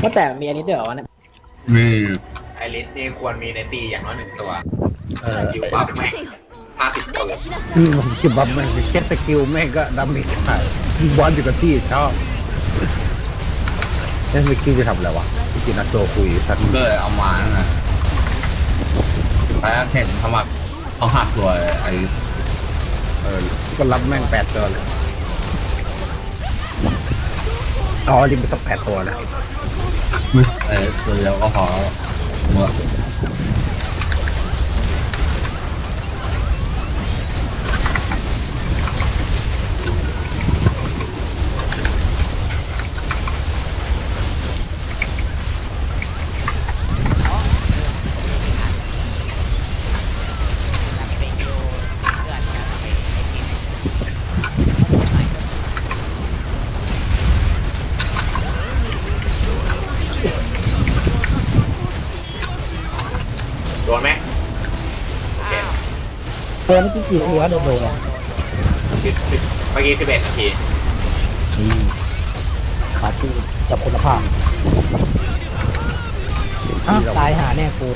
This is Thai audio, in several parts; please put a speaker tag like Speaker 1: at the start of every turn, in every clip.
Speaker 1: ก็แต่มีอันนี้ด้วยเหรอวะเนี่ย
Speaker 2: มี
Speaker 3: ไอริสนี่ควรมีในตีอย่างน้อย1 ตัว
Speaker 4: ๆ
Speaker 3: คิวบัฟแม่ง50 ตัว
Speaker 4: ผมคิดว่ามันแค่สกิลแม่งก็ดาเมจได้บอลอยู่กับที่ชอบแล้วสกิลจะทำอะไรวะพี่กินนักโตคุยสัก
Speaker 2: เกอร์เอามานะแล้วเห็นเขามาเขาหักตัวไอ้
Speaker 4: ก็รับแม่ง8 ตัวเลยอ๋อริมไปสัก8 ตัวนะ
Speaker 2: ไอ้ตัวเดียวก็พอเมื่อ
Speaker 3: โดนไหมโอเค
Speaker 1: เมื่อกี้กี่หัวโดนอ่ะ
Speaker 3: เมื่อกี้11 นาที
Speaker 1: ขาดที่จับคุณภาพอ้าวตายหาแน่กู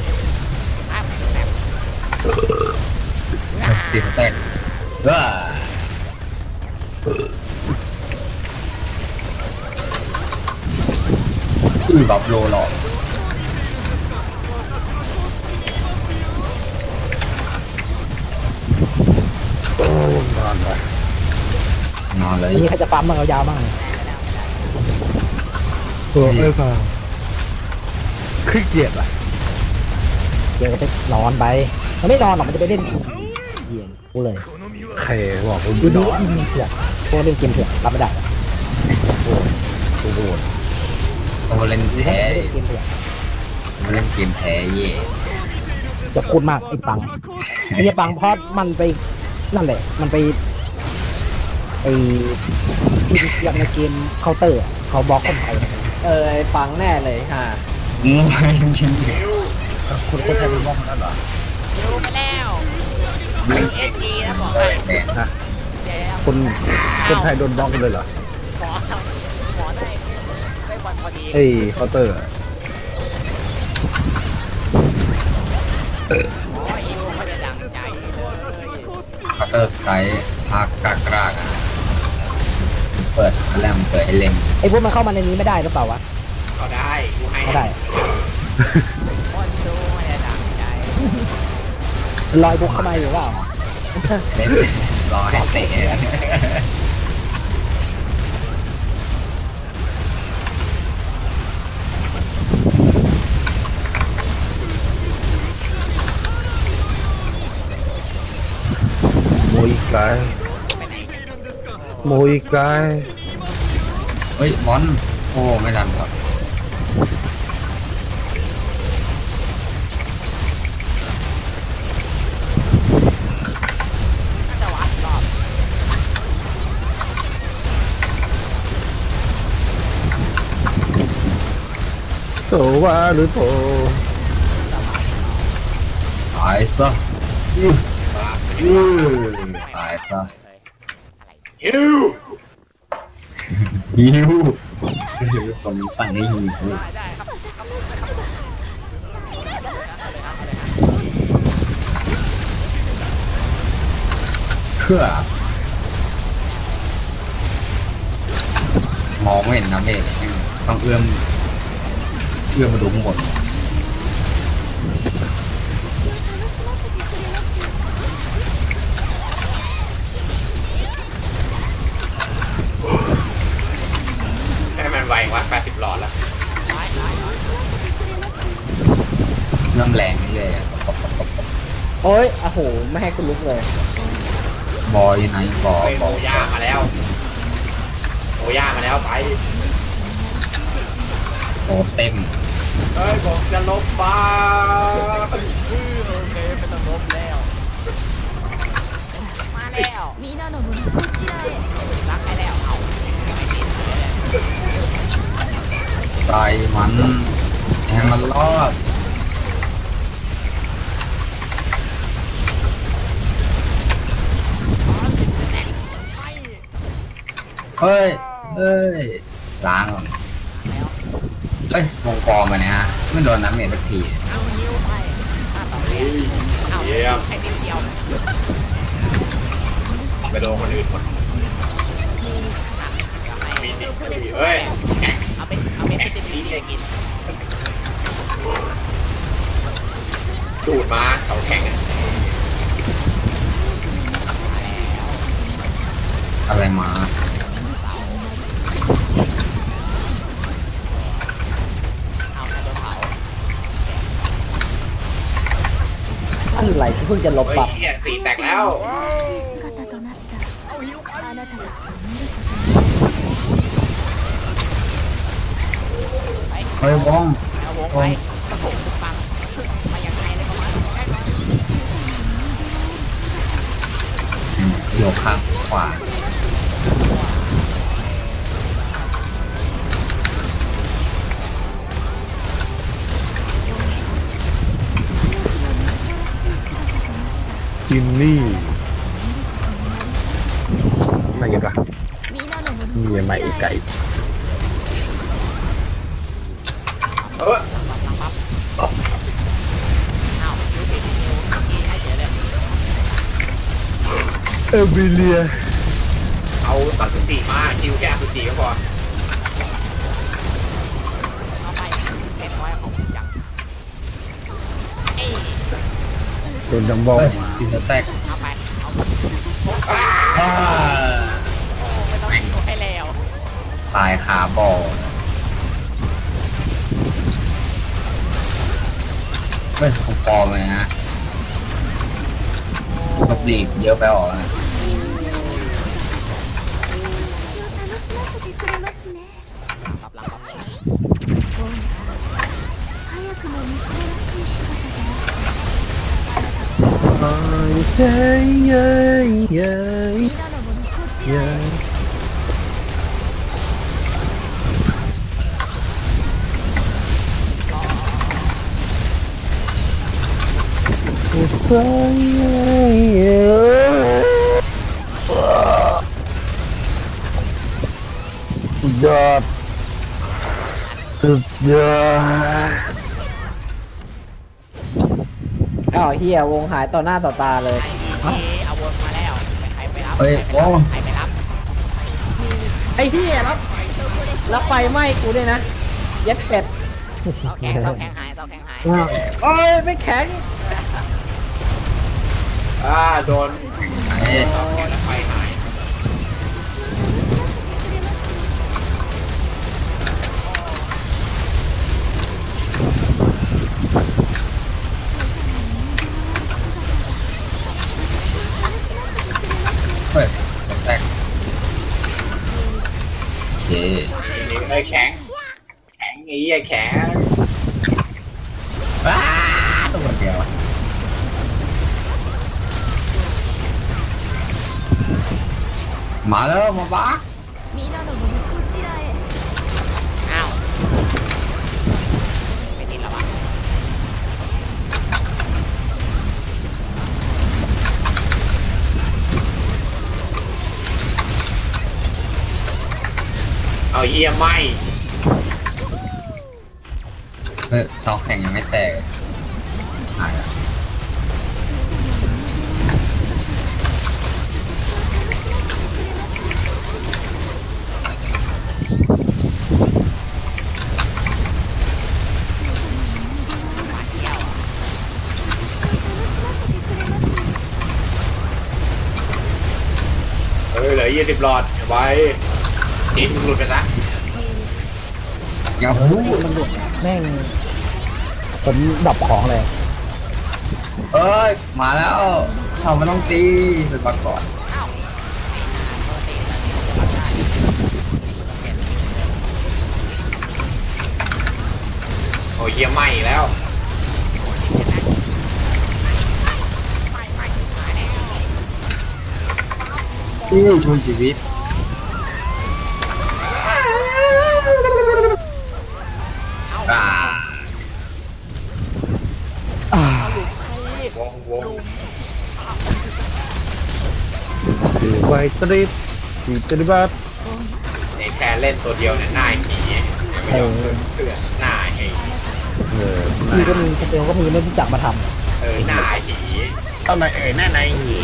Speaker 2: ติดเต้นว้าแบบโลหลอก
Speaker 4: โอ้นอนไป
Speaker 2: นอนเลย
Speaker 1: นี่ใครจะปั๊มมันเอายาวมาก
Speaker 4: ตัวเปล่าขี้เกียจอ่ะ
Speaker 1: เดี๋ยวก็ไปนอนไปมันไม่นอนหรอกมันจะไปเล่นเหี้ยกูเลย
Speaker 4: ใครบอกผม
Speaker 1: ดู
Speaker 4: น
Speaker 1: ดี
Speaker 4: อน
Speaker 1: อินเถื่อนพวกเล่นเกมเถื่อนรับไม่ได้
Speaker 4: ตัวโหด
Speaker 2: ตัวเล่นแพ้
Speaker 1: เล่นเกมเถื่อน
Speaker 2: ตัวเล่นเกมแพ้เย่
Speaker 1: จะพูดมากไอ้ปังไอ้ปังเพราะมันไปนั่นแหละมันไปไอ้ทีมเกียร์ในเกมเคาน์เตอร์เขาบล็อกคนไทยไอ้ปังแน่เลยค่ะ
Speaker 2: งูไม่จริง
Speaker 4: คุณคนไทยรู้ว่ามันนั่นเหรอ
Speaker 5: ดูมาแล้วเอ็กซ์นะบอก
Speaker 2: เล
Speaker 5: ให้
Speaker 2: ยแดง
Speaker 4: นะ
Speaker 5: เดี๋ยว
Speaker 4: คนไทยโดนบล็อกกันเลยเหรอ
Speaker 5: หมอได้บอลพอดี
Speaker 4: ไอ้เคาน์เตอร์
Speaker 5: หมออิวเขาจะดังใจเลย
Speaker 2: คัตเตอร์สไตล์ภาคกากรากอะเปิดแรมเปิดไอเลน
Speaker 1: ไอ้พวกมันเข้ามาในนี้ไม่ได้หรือเปล่าวะ
Speaker 3: ก็ได้กูให้
Speaker 1: ไม่ได้
Speaker 5: คนดูเขาจะดังใจ
Speaker 1: ลอยบุกเข้ามาอยู่เปล่า
Speaker 2: เล่นรอให้เตะ
Speaker 4: โมยกายโมยกาย
Speaker 2: เฮ้ยมอนโอ้ไม่ทันครับ
Speaker 5: น่าจะวัดรอบ
Speaker 4: โตว่าหรือโต
Speaker 2: ตายซะตายซะ
Speaker 3: ฮิว
Speaker 2: หิวผมสั่งให้หิว
Speaker 5: ได้ครับ
Speaker 2: เพื่อมองไม่เห็นน้ำเอกต้องเอื้อมมาดูข้างบน
Speaker 3: ให้มันไวกว่า80 หลอดแล้ว
Speaker 2: เริ่มแรงนี่เลยตบ
Speaker 1: โอ้ยโอ้โหไม่ให้กูลุกเลย
Speaker 2: บอยไหนบอ
Speaker 3: ไป
Speaker 2: บ
Speaker 3: โม
Speaker 2: อย
Speaker 3: ย่ามาแล้วโมย่ามาแล้วไป
Speaker 2: โอ้เต็ม
Speaker 3: เฮ้ยผมจะลบฟ้า
Speaker 5: โอเคเป็นต้องลบแล้วมาแล้ว
Speaker 6: 皆の者こちらへ
Speaker 5: รักให้แล้วเอาไม่ติดเลย
Speaker 2: ใจมันให้มันรอดเฮ้ยล้างก่อนเอ้ยวงกลมมาเนี่ยฮะไม่โดนน้ำเมจสักที
Speaker 5: เอานิ้วไปต่อไปเอา
Speaker 3: เยี่ยม
Speaker 5: แค่นิดเดียว
Speaker 3: ไปโดนคนอื่นหมดมีดิเฮ้ยแข็ง
Speaker 5: เอาเป็นสติลีเลยกิน
Speaker 3: ดูดมาเสาแข็งอะ
Speaker 2: อะไรมา
Speaker 5: เอาใครโดนเผา
Speaker 1: อะไรที่เพิ่งจะลบ
Speaker 3: เฮ้ย
Speaker 1: ปรับ
Speaker 3: เหี้ยสีแตกแล้ว
Speaker 6: 姿となったあなたたちを見るこ
Speaker 2: เฮ้ยวง
Speaker 5: เอาวงไปโอ้โหปังมาอย่างไรเลยก็มา
Speaker 2: โยกข้างขวา
Speaker 4: จินนี่ไม่กันวะ
Speaker 6: 皆の者
Speaker 4: มีไหมไก่
Speaker 3: เออ
Speaker 5: เอาคิวผิดนิ้วกินให้เฉยเลย
Speaker 4: เอวิเลีย
Speaker 3: เอาตัดสุจิมาคิวแค่สุจิก็พอ
Speaker 5: เอาไปเก็บไว้ของจังเอ้ย
Speaker 4: โดนดังบอล
Speaker 2: เฮ้ย
Speaker 4: มา
Speaker 2: ทีสแต็ก
Speaker 5: เอาไปเอาไป
Speaker 2: อ้า
Speaker 5: โอ้ไม่ต้องคิวให้แล้ว
Speaker 2: ตายคาบ่อเฮ้ยของปลอมเลยนะลบหลีกเยอะไปออกนะ
Speaker 6: 楽しませてくれますね
Speaker 5: กลับหลังกลับหลัง
Speaker 6: 早くも見つめらしい姿で
Speaker 4: เย้เย้เย้
Speaker 6: 皆の者こちら
Speaker 4: เย้
Speaker 6: へ
Speaker 4: สุดยอดสุดยอด
Speaker 1: อ้าวเฮียวงหายต่อหน้าต่อตาเลย
Speaker 5: ไอ้ดีเอาวนมาแล้วใครไปรับ
Speaker 2: เฮ้ยโอ้
Speaker 5: ใครไปรับ
Speaker 1: ไอ้เฮียรับไฟไหม้กูด้วยนะเย็ดเป็ด
Speaker 5: เสาแข็งเสาแข็งหายเสาแข็งหาย
Speaker 1: โอ้ยไม่แข็ง
Speaker 3: โดน
Speaker 2: ไอ้
Speaker 3: เสาแข็งแล้วไฟหาย
Speaker 2: เฮ้ยสแต็กเย้
Speaker 3: นี่เลยแข็งแข็งไอ้เหี้ยแข็ง
Speaker 2: ว้าตัวเดียวมาแล้วมาบัก
Speaker 6: 皆の者こちらへ
Speaker 5: อ้าวไม่ติดแล้ววะ
Speaker 3: เอาเหี้ยไหม
Speaker 2: เฮ้ยเสาแข่งยังไม่แตกหายแล้ว
Speaker 3: เหลือ20หลอดไว้ทีมหลุดไปซะ
Speaker 2: อย่าพูด
Speaker 1: มันหลุดแม่งผมดับของเลย
Speaker 2: เอ้ยมาแล้วชาวไม่ต้องตีเป็นมาก่อน
Speaker 5: อ้าวโทษทีแล้วนี่จะรับได้เปลี่ยน
Speaker 3: โอ้ยเหี้ยไหมแล้ว
Speaker 5: ไม่หายแล้ว
Speaker 2: ที่ช่วยชีวิต อ่า
Speaker 3: วง
Speaker 4: ถือไว้ตรีบถือตรีบัต
Speaker 3: ไอ้แค่เล่นตัวเดียวเนี่ยน่าขี่ไม่ยอมเตือนหน้าไอ้
Speaker 4: เออ
Speaker 1: มีก็มีสเตลก็มีไม่รู้จักมาท
Speaker 3: หน้าหี
Speaker 4: เท่าไหร่หน้าไหน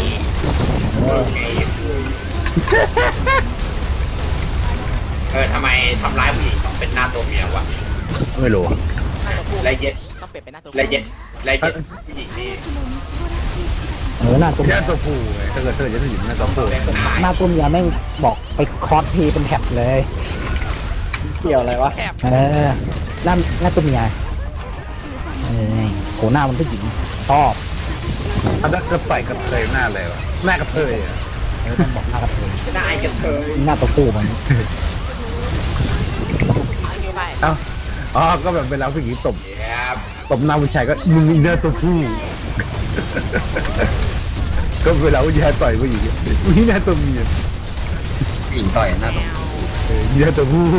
Speaker 3: ทำไมทำร้ายผู้หญิงต้องเป็นหน้าตัวเมียวะ
Speaker 4: ไม่รู้
Speaker 5: หน้าตัวผู้
Speaker 3: และเย็ด
Speaker 5: ต้องเปลี่ยนเป็นหน้าตัว
Speaker 3: และเย็ดและเย็ดผู้หญิงนี่
Speaker 1: ำหน้าตัว
Speaker 4: หน้าตัวผู้ไงถ้าเกิดเธอจะได้ยินหน้าตัวผู้
Speaker 3: เป็นหน้า
Speaker 1: หน้าตัวเมียแม่งบอกไปคอสเพลย์เป็นแท็บเลย
Speaker 7: เกี่ยวอะไรวะ
Speaker 5: แคบ
Speaker 1: หน้าตัวเมียโหหน้ามันผู้หญิงชอบ
Speaker 4: อันนั้นก็ใส่กระเทยหน้าเลยวะหน้ากระเทยอ่ะ
Speaker 1: ต้องบอกหน้ากระเทย
Speaker 3: หน้าไอ้กระเทย
Speaker 1: หน้าตัวผู้มัน
Speaker 5: อันนี้ไป
Speaker 4: เอ้าอ๋อก็แบบเวลาผู้หญิงตบ
Speaker 3: ครับ
Speaker 4: ตบหน้าผู้ชายก็มึงหน้าตัวผู้ ก็เวลาผู้ชายต่อยผู้หญิงมีหน้าตัวเมีย
Speaker 2: ผู้หญิงต่อยหน้าตรง
Speaker 4: มีหน้าตัวผู้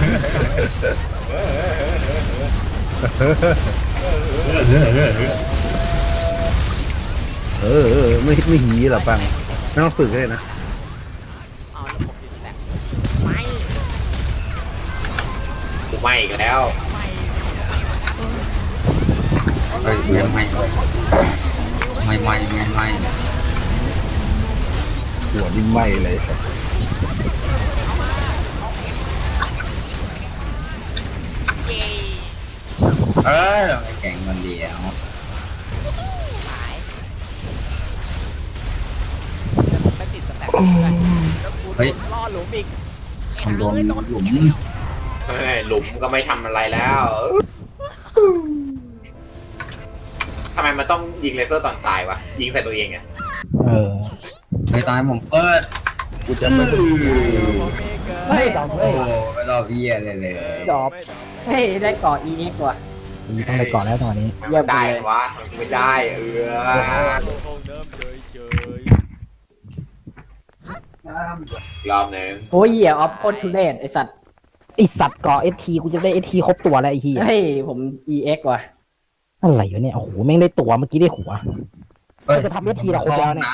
Speaker 4: ไม่หีหรอปังไม่ต้องฝึกเลยนะ
Speaker 5: เอาแล้วผมจะแตกไม่
Speaker 3: กูไม่อีกันแล้ว
Speaker 2: เฮ้ยไม่ไม่
Speaker 4: หัวดิ้นไหมเลย
Speaker 5: เย้
Speaker 2: เออแข่งมันเดียว
Speaker 5: หายแต่ผมไปติดสแตทด้วยแล้วกูล่อหลุมอีก
Speaker 2: มันโดนหลุม
Speaker 3: หลุมก็ไม่ทำอะไรแล้วทำไมมันต้องยิงเลเซอร์ตอนตายวะยิงใส่ตัวเองอ่ะ
Speaker 2: ไม่ตายผมเปิด
Speaker 4: กูจะไม่รู้
Speaker 7: เฮ้ย
Speaker 1: ดอก
Speaker 2: โอ้ไม่รอบเยี่ยเลย
Speaker 7: ดอกเฮ้ยได้เกาะ EX ว่ะ
Speaker 1: ต้องไปก่อนแล้วตอนนี้
Speaker 7: เยี่ยมไป
Speaker 3: ได้
Speaker 7: เลย
Speaker 3: วะไม่ได้รอบหนึ่ง
Speaker 7: โอ้ยเหี้ยออฟโคตรทุเรศไอสัตว์
Speaker 1: ไอสัตว์ก่อเอทีกูจะได้เอทีครบตัวแล้วไอ้ที
Speaker 7: เฮ้ยผม EX ว่ะ
Speaker 1: อะไรอยู่เนี่ยโอ้โหแม่งได้ตัวเมื่อกี้ได้หัว จะทำเวทีละคนแล้วเนี่ย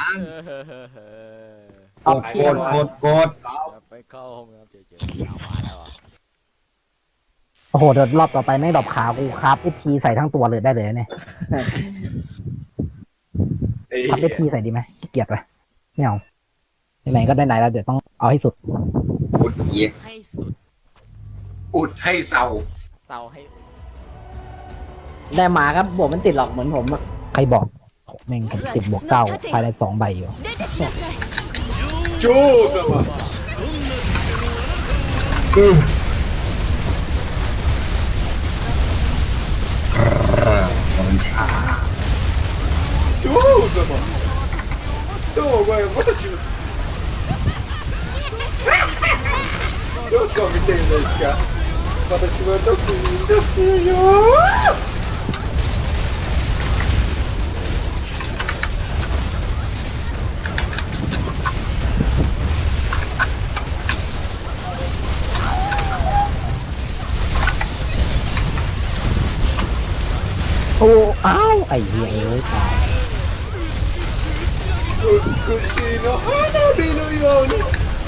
Speaker 7: ออฟเทียม
Speaker 2: กด
Speaker 5: ไปเข้าห้องน้ำเฉยๆเอามาแล้วอ่ะ
Speaker 1: โอ้โหเดี๋ยวรอบต่อไปแม่งดรอปขากูครับเอทีใส่ทั้งตัวเลยได้เลยเนี่ยทับเอทีใส่ดีไหมขี้เกียจไปไม่เอาไหนๆก็ได้ไหนแล้วเดี๋ยวต้องเอาให้สุด
Speaker 2: กดเยี่ย
Speaker 5: ให้สุด
Speaker 3: อุดให้เศร้า
Speaker 5: เศร้าให้
Speaker 7: ได้มาครับบวกมันติดหรอกเหมือนผมอะ
Speaker 1: ใครบอกแม่งผม10+9ภายใน2 ใบอยู่
Speaker 6: 出てきなさい
Speaker 3: จู้กันมา
Speaker 2: มันช้า
Speaker 3: จู้กันมาจู้กันมา私もどこ見てるんですか私はどこにいるんですよ
Speaker 1: โอ้อ้าวไอ้เหี้ยเอ้ยตาย
Speaker 3: 美しいの花火のように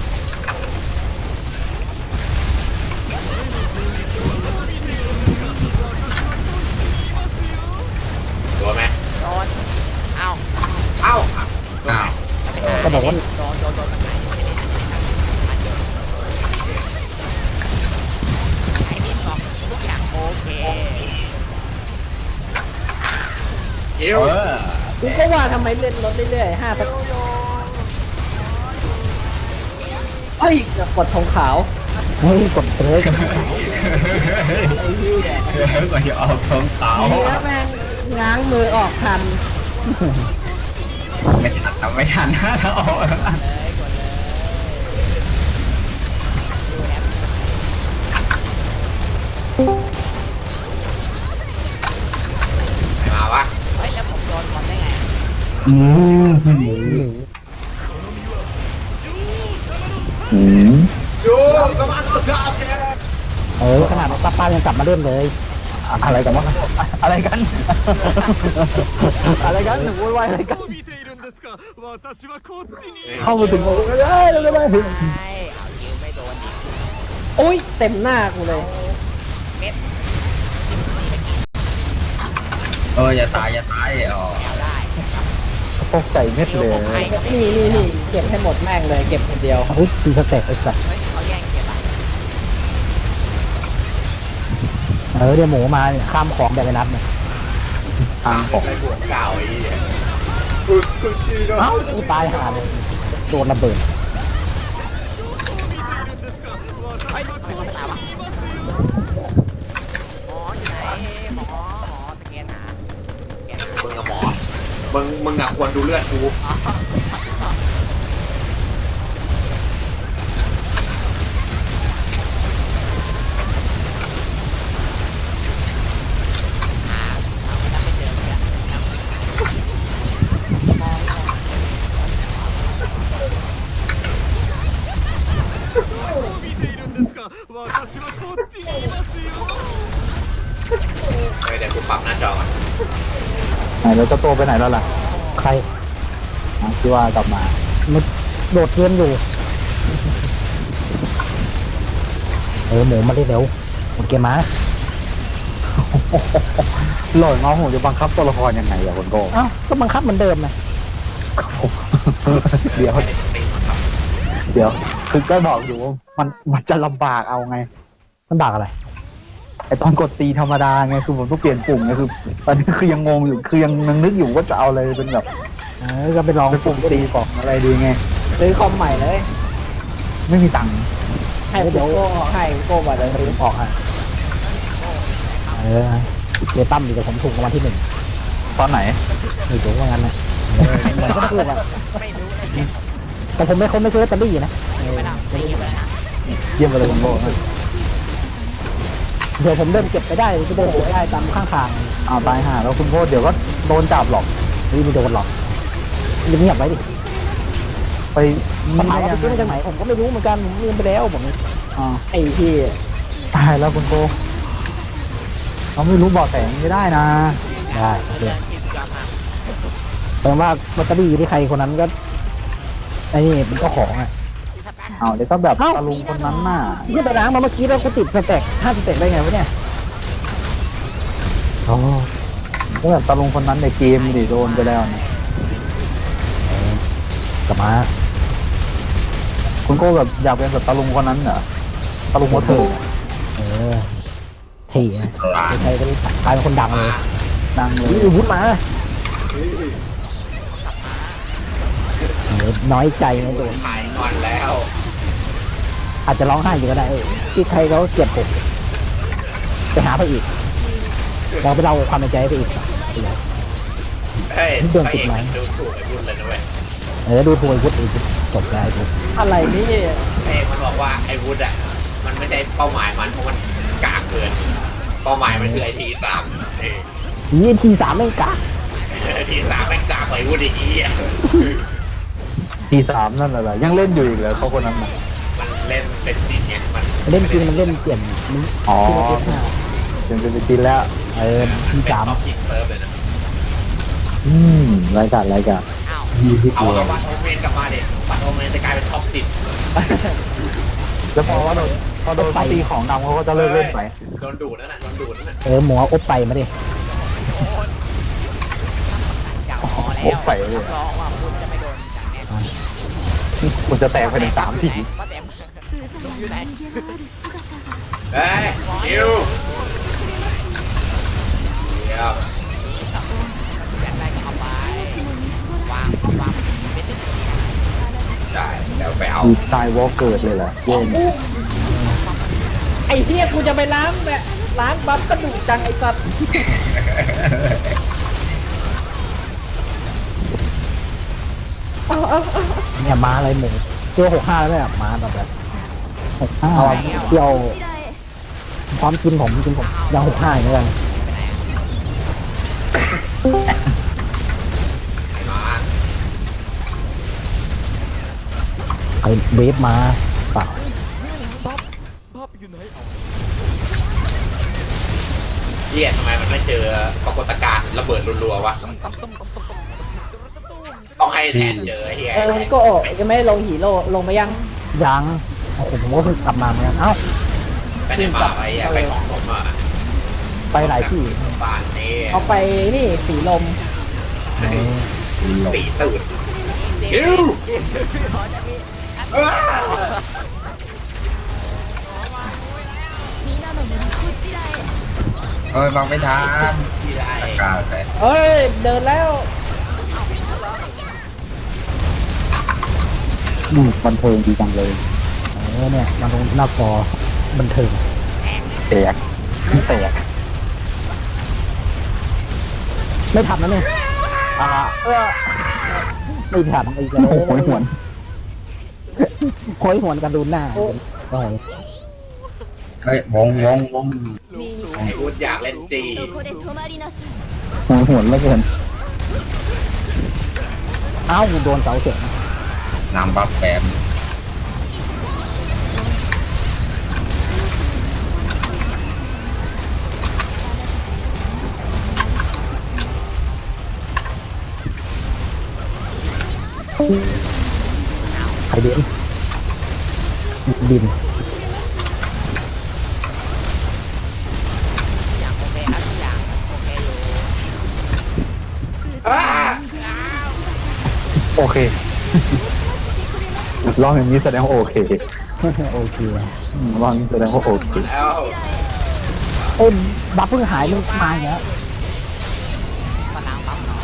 Speaker 3: โดนไหม
Speaker 5: โดนเอ้า
Speaker 3: เอ้า
Speaker 2: อ้าว
Speaker 1: ก็บอกว่า
Speaker 5: โดนตั้งไหนไอ้นี่บอกทุกอย่างโอเค
Speaker 3: เอว
Speaker 7: กูก็ว่าทำไมเล่นรถเรื่อยๆ5สักเฮ้ยกดธงขาว
Speaker 1: เฮ้ยกดเลย
Speaker 7: ไอ้เหี้ย
Speaker 2: ก็จะเอาทองเต๋า
Speaker 7: เนื้อแม่งง้างมือออกทัน
Speaker 2: ไม่ทันนะเรา
Speaker 5: เลยกดเลยดูแอป
Speaker 3: มาวะ
Speaker 5: เฮ้ยแล้วผมโดนบอลได้ไง
Speaker 3: จู้กับมันตัวจ้าแก
Speaker 1: ขนาดป้าป้ายังกลับมาเริ่มเลย อะไรกันวะอะไรกัน อะไรกันวุ่นวายอะไรกันเข้ามาถึงโอ้ยเลย
Speaker 5: ใช่เอายิวไม่โดนดิ
Speaker 7: โอ้ยเต็มหน้ากูเลย
Speaker 2: อย่าตายอ๋อ
Speaker 5: แมวได้
Speaker 4: ตกใจเม็ดเลย
Speaker 7: นี่เก็บให้หมดแม่งเลยเก็บคนเดียว
Speaker 1: เฮ้ยตีสเต็ปไอ้สัส
Speaker 5: เฮ้ยเขาแย่งเก็บอ่ะ
Speaker 1: เดี๋ยวหมูมาเนี่ยข้ามของแบบไปนัดเนี่ย
Speaker 4: ทางของ
Speaker 3: 美しい
Speaker 1: เอ้า
Speaker 3: な
Speaker 1: กูตายห่าเลยโดนระเบิด
Speaker 5: เฮ้ยทำไมเขาไม่ตายวะหมออยู่ไหนหมอสแกนหาสแกนหา
Speaker 3: มึงอะหมอมึงอะควรดูเลือดกู เดี๋ยวกูปรับหน้าจอก่อน
Speaker 4: ไหนแล้วเจ้าตัวไปไหนแล้วล่ะ
Speaker 1: ใคร
Speaker 4: ที่ว่ากลับมา
Speaker 1: มันโดดเกมอยู่หมูมาได้เร็วหมดเกมมา
Speaker 4: หล่อยง้อผมจะบังคับตัวละครยังไงอะคนโก
Speaker 1: เอ้าก็บังคับเหมือนเดิมนะ
Speaker 4: เดี๋ยวคือก็บอกอยู่ว่ามันจะลำบากเอาไง
Speaker 1: มันด่าอะไร
Speaker 4: ไอตอนกดตีธรรมดาไงคือผมต้องเปลี่ยนปุ่มไงคือตอนนี้คือยังงงอยู่คือยังนึกอยู่ว่าจะเอาอะไรเป็นแบบ
Speaker 1: ก็ไปลอง
Speaker 4: เป็นปุ่มตีกล่องอะไรดีไง
Speaker 7: ซื้อคอมใหม่เลย
Speaker 4: ไม่มีตังค์
Speaker 7: ให้โก้มาเลย
Speaker 1: ออกอ่ะเดี๋ยวตั้มดีแต่ผมถูกรางวัลที่หนึ่ง
Speaker 4: ตอนไหน
Speaker 1: ไม่ถูกว่างั้นนะเหมือนก็ถูกอ่ะ
Speaker 5: ไม่รู้เลย
Speaker 1: แต่ผมไม่ซื้อลอตเตอรี่นะ
Speaker 5: ไม่ได้ไม่เก็บเลยนะ
Speaker 4: เยี่ยมไปเลยคนโก
Speaker 1: เดี๋ยวผมเดินเก็บไปได้จะเดินเก็บไปได้ตามข้างทาง
Speaker 4: เอาตายห่าแล้วคุณโพดเดี๋ยวก็โดนจับหรอก
Speaker 1: นี่ไม่โดนหรอกเงียบไว้ดิ
Speaker 4: ไป
Speaker 1: มันถามว่าไปซื้อมาจากไหนผมก็ไม่รู้เหมือนกันผมลืมไปแล้วผม
Speaker 4: อ่า
Speaker 1: ไอ้ที่
Speaker 4: ตายแล้วคุณโกเขาไม่รู้เบาะแสไม่ได้นะ
Speaker 1: ได้โอเค
Speaker 5: เรื่องที่สุดยอดมาก
Speaker 1: แปลว่าลอตเตอรี่ที่ใครคนนั้นก็ไอ้นี่เป็นเจ้าของอ่ะ
Speaker 4: เอาเดี๋ยวก็แบบตะลุงคนนั้นน่ะ
Speaker 1: ที่ไปล้างมาเมื่อกี้แล้วก็ติดสเต็ก5 สเต็กได้ไงวะเนี่ยอ๋อ
Speaker 4: ก็แบบตะลุงคนนั้นในเกมดิโดนไปแล้วนะ
Speaker 1: กลับมา
Speaker 4: คุณโก้แบบอยากเป็นแบบตะลุงคนนั้นเหรอตะลุงโมเตอร์
Speaker 1: เท่นะใครก็ได้กลายเป็นคนดังเลย
Speaker 4: ดังเลย
Speaker 1: นี่วุฒิมาน้อยใจนะโดน
Speaker 3: หายงอนแล้ว
Speaker 1: อาจจะร้องไห้อยู่ก็ได้ที่ใครเขาเกลียดผมไปหาพระอีกเราไปเล่าความในใจให้พระอีก
Speaker 3: เฮ้ย
Speaker 1: เดินติดไหม
Speaker 3: ดูถูกไอ้บุญเลยนะเว้ย
Speaker 1: ดูทัวร์วุฒิอีกจบได้วุฒิ
Speaker 7: อะไรนี่
Speaker 3: เอ้มันบอกว่าไอ้วุฒิอ่ะมันไม่ใช่เป้าหมายมันเพราะมันกากเกินเป้าหมายมันคือไอทีสาม
Speaker 1: นี่ที3ไม่กะ
Speaker 3: ทีสามแม่งกากกว่าไอ้วุฒิอีกทีอ่ะ
Speaker 4: ที3นั่นแหละยังเล่นอยู่อีกเหรอเขาคนนั้นน่ะ
Speaker 3: มันเล่นเป็นจิตไงมัน
Speaker 1: เล่นจริงมันเล่นเปลี่ยนมัน
Speaker 4: อ๋อ
Speaker 1: ชื่อว่าที
Speaker 4: เป็นเป็นจีนแล้ว
Speaker 1: 5ที
Speaker 3: เป็น
Speaker 1: 3
Speaker 3: ท็อปพิกเซิร์ฟเลยนะ
Speaker 4: รายการ
Speaker 5: อ้าว
Speaker 3: เอาบัตรโอเมนกลับมาเด็บัตรโอเมนจะกลายเป็นท็อปจิต
Speaker 4: แล้วพอโดนตีของดำเขาก็จะเลิกเล่นไป
Speaker 3: โดนดูดนั่นน่ะโดนดูดนั่นน่ะ
Speaker 1: หมูอบไปมาดิ
Speaker 5: อย่างพอแล้ว
Speaker 4: โอ้ไปเลย
Speaker 5: รองว่าคุณจะไม่โดนอย่างแน่นอน
Speaker 4: คุณจะแตกภายใน3 ที
Speaker 5: ว่าแต่อยู่ไหน
Speaker 3: เฮ้ยคิวเดี๋ยว
Speaker 5: อยากได้ก็เอาไปวางเป็นหนึ่ง
Speaker 3: ได้เดี๋ยวไปเอา
Speaker 4: คือตายวอลเกิดเลยแหละเย้
Speaker 7: ไอ้เหี้ยกูจะไปล้างแบบล้างบัฟกระดูกจังไอ้สัตว์
Speaker 1: เนี่ยมาอะไรหมูเที่ยว65แล้วเนี่ยมาแบบ65เอาเที่ยวพร้อมกินผมยัง65เหมือนกัน
Speaker 3: มา
Speaker 1: ใครเวฟมาเปล่า
Speaker 3: เฮียทำไมมันไม่เจอปรากฏการณ์ระเบิดรัวๆวะต้องให้แทนเจอเฮีย
Speaker 7: มันก็ยังไม่ลงฮีโร่ลงมายัง
Speaker 1: ยังโอ้โหผมก็เพิ่งกลับมาเหมือนกันเอ้า
Speaker 3: ไปไหนมาไอ้เหี้ยไปของผมอ่ะ
Speaker 1: ผไปหลายที่
Speaker 3: บ้านนี้
Speaker 7: เอาไปนี่สีลม
Speaker 3: ตีตื่นคิว
Speaker 6: 皆の目にこちらへ
Speaker 2: เอ้ยฟังไม่ทัน
Speaker 3: ที่ไร
Speaker 2: กลางเลย
Speaker 7: เอ้ย เดินแล้ว
Speaker 4: บันเทิงดีจังเลย
Speaker 1: เนี่ยมันตรงหน้าปอบันเทิง
Speaker 4: แตกแตก
Speaker 1: ไม่ทันนะเนี่ยไม่ทันอีกแล้ว
Speaker 4: โอ้โหหวน
Speaker 1: โหยหวนกันดูหน้าโอ้ย
Speaker 2: เฮ้ยวง
Speaker 6: 見に
Speaker 3: ไอ้วุฒอยากเล่นจี
Speaker 6: そこで止まりなさい
Speaker 4: หวนแล้วเกิน
Speaker 1: เอ้าโดนเสาเสียง
Speaker 2: น้ำบัฟแปม
Speaker 1: ใครเดินบิน
Speaker 5: อย่างโอเคครับทุกอย่างโอเคอยู่
Speaker 4: โอเคลองอย่างนี้แสดงว่าโอเค
Speaker 1: โอเค
Speaker 4: ลองแสดงว่าโอเค
Speaker 3: แล้ว
Speaker 1: เอ้ยบัฟเพิ่งหายมันมาอีกแล้ว
Speaker 5: ก็ล้างปั๊มหน่อย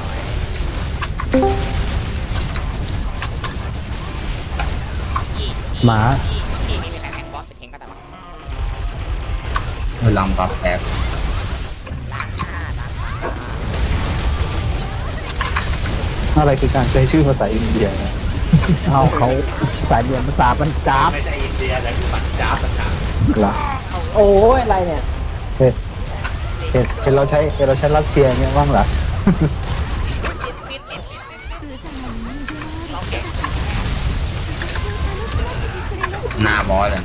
Speaker 1: หมา
Speaker 5: ที่ไม่มีใครแทงบอสเป็นเองก็แต่ว่า
Speaker 2: เออลำบัฟแปม
Speaker 5: ล้างหน้าล้างตา
Speaker 4: อะไรคือการใช้ชื่อภาษาอินเดียนะ
Speaker 1: เอาเขาสายเดือนภาษาบรรจาบ
Speaker 3: ไม่ใช่อินเดียแต่คือปัญจาบต่างหาก
Speaker 4: เหรอ
Speaker 7: โอ้ยอะไรเนี่ย
Speaker 4: เห็นเราใช้รัสเซียเนี่ยบ้างเหรอ
Speaker 2: หน้าบอสเลยนะ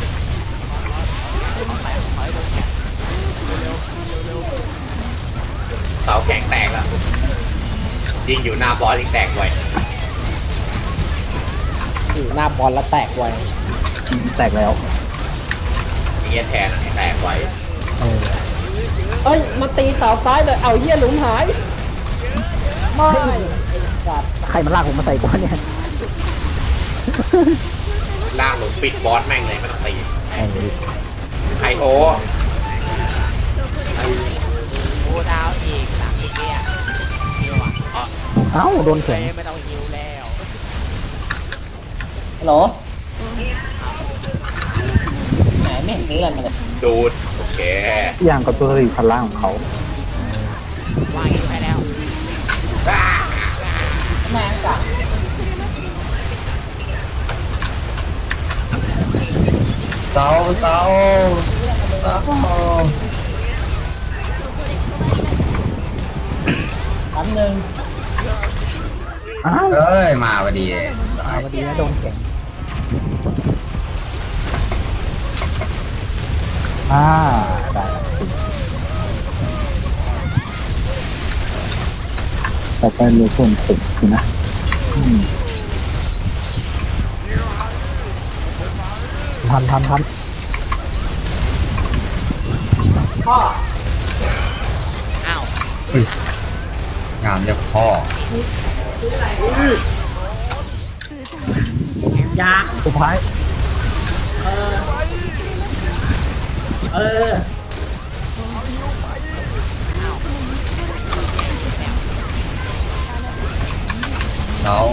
Speaker 3: เสาแข็งแตกแล้วยิงอยู่หน้าบอสยิงแตกไว
Speaker 7: อยู่หน้าบอลแล้วแตกไว
Speaker 4: แตกแล้ว
Speaker 3: เงี้ยแทนอะแตกไว
Speaker 7: เอ้ย มาตีเสาซ้ายเลย เอาเหี้ยหลุมหาย ไม่ไอ้สัตว์
Speaker 1: ใครมันลากผมมาใส่ก้อนเนี่ย
Speaker 3: ลากหลุมปิดบอสแม่งเลยไม่ต้องตี
Speaker 1: ไอ้
Speaker 3: ไอโอ
Speaker 5: โอ้ดาวอีก3ทีอ่ะฮิวอ่ะอ๋อ
Speaker 1: เอ้าโดนแข็ง
Speaker 5: ไม่ต้องฮิวแล้ว
Speaker 7: ฮัลโหลแหมไม่เห็นมีอะไรมาเลย
Speaker 3: ดูดโอเค
Speaker 4: อย่างกับตัวสีพันล่างของเขา
Speaker 5: วางฮิวไปแล้ว
Speaker 7: แม่งกะ
Speaker 2: เสา
Speaker 7: อันหนึ่ง
Speaker 1: อ้าว
Speaker 2: เอ้ยมาพอดีตาย
Speaker 1: พอดีนะโดนแข็งได้
Speaker 4: ต่อไปเรือส่วนผมสินะ
Speaker 1: ทัน
Speaker 7: พ่อ
Speaker 5: อ้าว
Speaker 2: งามเรียกพ่อย
Speaker 7: า
Speaker 1: สุดท้าย
Speaker 7: เออ
Speaker 2: เสา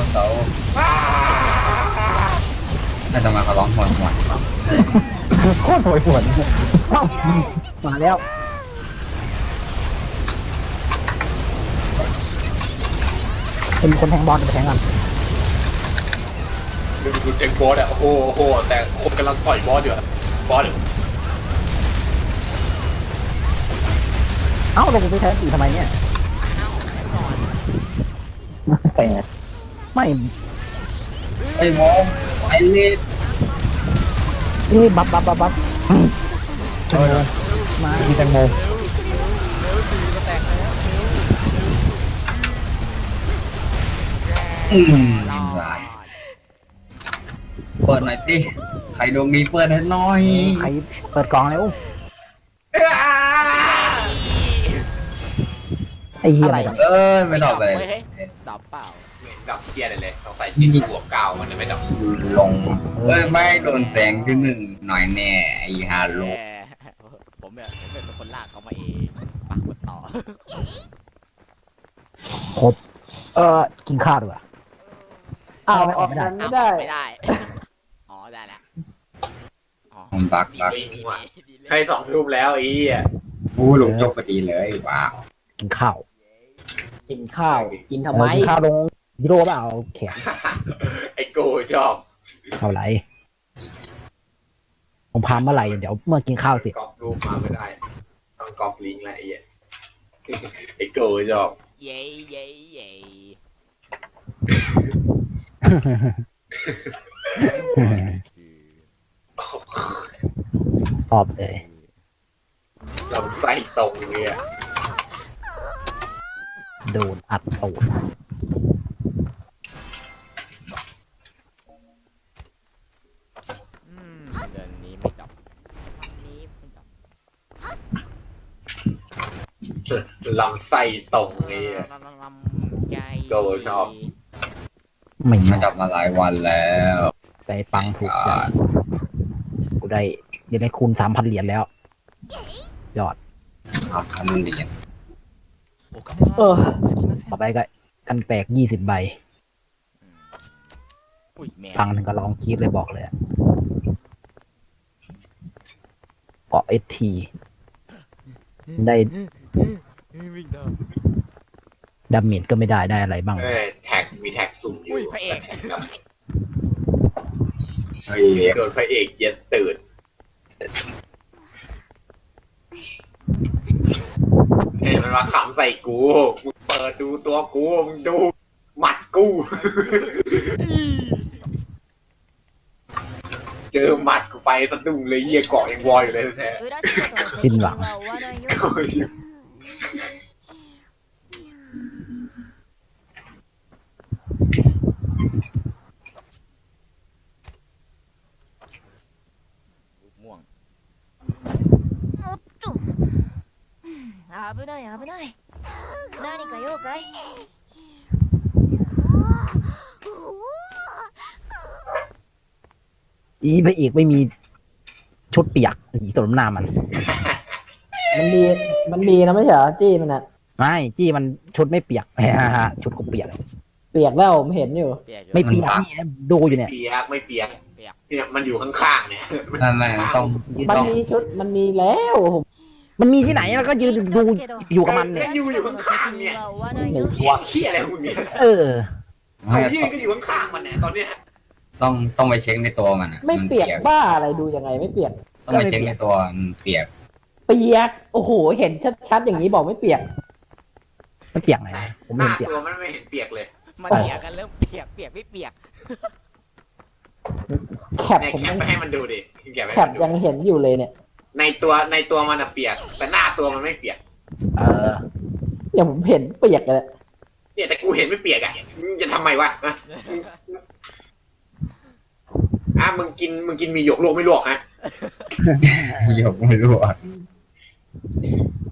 Speaker 2: น่าจะมาเขาร้องหวน
Speaker 1: โคตรโหยหวนเอ้ามาแล้วเป็นคนแทงบอลไปแทงกัน
Speaker 3: ดูเจงบอสอ่ะโอ้โหแต่คนกำลังต่อยบอสอยู่อะบอส
Speaker 1: เอ้าลงไปแทงอีกทำไมเนี่ย
Speaker 4: แต่
Speaker 1: ไม่
Speaker 2: ไอ้โมไอ้เล็ด
Speaker 1: นี่บัฟมา
Speaker 4: ที่แตงโม
Speaker 2: ลายเปิดหน่อยสิใครดวงดีเปิดให้หน่อย
Speaker 1: ใครเปิดกล่องแล้วไอ้เหี้ย
Speaker 7: อะไร
Speaker 1: ไม่ต้อง
Speaker 2: ไม่ดอกเลย
Speaker 5: เฮ้ยดับเปล่า
Speaker 3: ไม่ดอกเกียร์เลยต้องใส่จิตบวก9มันไม่ดอก
Speaker 2: ลงไม่โดนแสงที่หนึ่งหน่อยแน่ไอ้ฮาโล
Speaker 5: แย่ผมเป็นคนลากเขามาเองปักหมดต่อ
Speaker 1: ครบกินข้าวดีกว่า
Speaker 7: อ้าว
Speaker 1: ไม่
Speaker 7: อ
Speaker 1: อ
Speaker 7: อ
Speaker 1: อก กไม่ได้
Speaker 7: กันไม่ได้
Speaker 5: ไม่ได้ อ๋อได้แล้วอ๋อ
Speaker 2: ผมบัก
Speaker 3: ดี
Speaker 2: บัก
Speaker 3: เลย
Speaker 5: ดี
Speaker 3: ว่ะ
Speaker 5: เลยดีเลย
Speaker 3: ให้2 ทุ่มแล้วไอ้เหี้ย
Speaker 2: ลงจบพอดีเลยว้าว
Speaker 1: กินข้าว
Speaker 7: กินข้าว กินทำไม
Speaker 1: กินข้าวลงฮีโร่เปล่าแขก
Speaker 3: ไอ้โกชอบ
Speaker 1: เอาไรผมพามเมื่อไหร่เดี๋ยวเมื่อกินข้าวเสร็จ
Speaker 3: กรอบรูปมาไม่ได้ ต้องกรอบลิงก์แหละไอ้เหี้ยไอ้โกชอบ
Speaker 5: เย้เย้เย้
Speaker 1: ชอบเลย
Speaker 3: ลำไส้ตรงเนี่ย
Speaker 1: โดนอัดตูด
Speaker 5: เดือนนี้ไม่ดับวันนี้ไม่ดับ
Speaker 3: ลำไส้ตรงเนี่ย
Speaker 5: ลำใจ
Speaker 3: โกชอบ
Speaker 1: ไม่ช
Speaker 2: มา
Speaker 1: อ
Speaker 2: จั
Speaker 1: บบ
Speaker 2: มาหลายวันแล้ว
Speaker 1: แต่ปังถูกใจกูได้คูณ3,000 เหรียญแล้ว ยอด
Speaker 2: 3,000 เหรียญ
Speaker 7: เออ
Speaker 1: ต่อไปก็กันแตก20 ใบ
Speaker 5: อุ้ยแมว
Speaker 1: ปังถึงก็ร้องกรี๊ดเลยบอกเลยอะเกาะST ได้
Speaker 5: วิ่งเดิม
Speaker 1: ดาเมจก็ไม่ได้อะไรบ้าง
Speaker 3: แท็กมีแท็กสุ่มอยู่
Speaker 5: อุ้ยพระเอก
Speaker 3: แต่แท็กกับ
Speaker 2: เฮ้ย
Speaker 3: โดนพระเอกเย็นตื่นเห็นมันมาขำใส่กูมึงเปิดดูตัวกูมึงดูหมัดกู เจอหมัดกูไปสะดุ้งเลยเหี้ยเกาะยังวอยอยู่เลยแท้
Speaker 6: 裏仕事の責任は負わないよ
Speaker 5: ม่วง
Speaker 6: おっと危ない危ない何か用かい
Speaker 1: อีพระเอกไม่มีชุดเปียกอีสมหน้ามัน
Speaker 7: มันมีนะไม่ใช่เหรอจี้มันอะ
Speaker 1: ไม่จี้มันชุดไม่เปียก ชุดก็เปียก
Speaker 7: เปียกแล้วผมเห็นอยู่
Speaker 5: เปียกอยู่
Speaker 1: ไม่เปียกนี่ดูอยู่เนี่ย
Speaker 3: เปียกไม่เปียกเนี่ยมันอยู่ข้างๆเนี่ย
Speaker 2: นั่นแหละต้อง
Speaker 7: มัน
Speaker 2: ต้อง
Speaker 7: มีชุดมันมีแล้วผม
Speaker 1: มันมีที่ไหนแล้วก็ยืนดูอยู่กับมันเนี่ย
Speaker 6: 裏仕事の責任は負わないよ
Speaker 3: หัวเขี้ยอะไรของมึงเนี่ย
Speaker 1: เออ
Speaker 3: เขายืนก็อยู่ข้างๆมันเนี่ยตอนเนี้ย
Speaker 2: ต้องไปเช็คในตัวมันอะ
Speaker 7: ไม่
Speaker 2: น
Speaker 7: เปียกบ้าอะไรดูยังไงไม่เปียก
Speaker 2: ต้องไปเช็คในตัวมันเปียก
Speaker 7: เปียก โอ้โห เห็นชัดๆอย่างนี้บอกไม่เปียก
Speaker 1: ไม่เปียกไหนผม
Speaker 3: ห
Speaker 1: ไม่
Speaker 3: น้า
Speaker 1: เห็นเปียก
Speaker 3: ตัวมันไม่เห็นเปียกเลย
Speaker 5: มันเปียกกันเริ่มเปียกไม่เปียก
Speaker 7: แคป
Speaker 3: ใน
Speaker 7: ผม
Speaker 3: แคป
Speaker 7: ยัง
Speaker 3: ไปให้มันดูดิแคปไป
Speaker 7: แค
Speaker 3: ให้
Speaker 7: ป
Speaker 3: มันดู
Speaker 7: ยังเห็นอยู่เลยเนี่ย
Speaker 3: ในตัวมันอะเปียก แต่หน้าตัวมันไม่เปียก
Speaker 1: เออ
Speaker 7: เนี่ยผมเห็นเปียกเลย
Speaker 3: เนี่ยแต่กูเห็นไม่เปียกอ่ะมึงจะทำไมวะมึงกินมีหยกลวกไม่ลวกฮะ
Speaker 2: หยกไม่รู้อ่ะ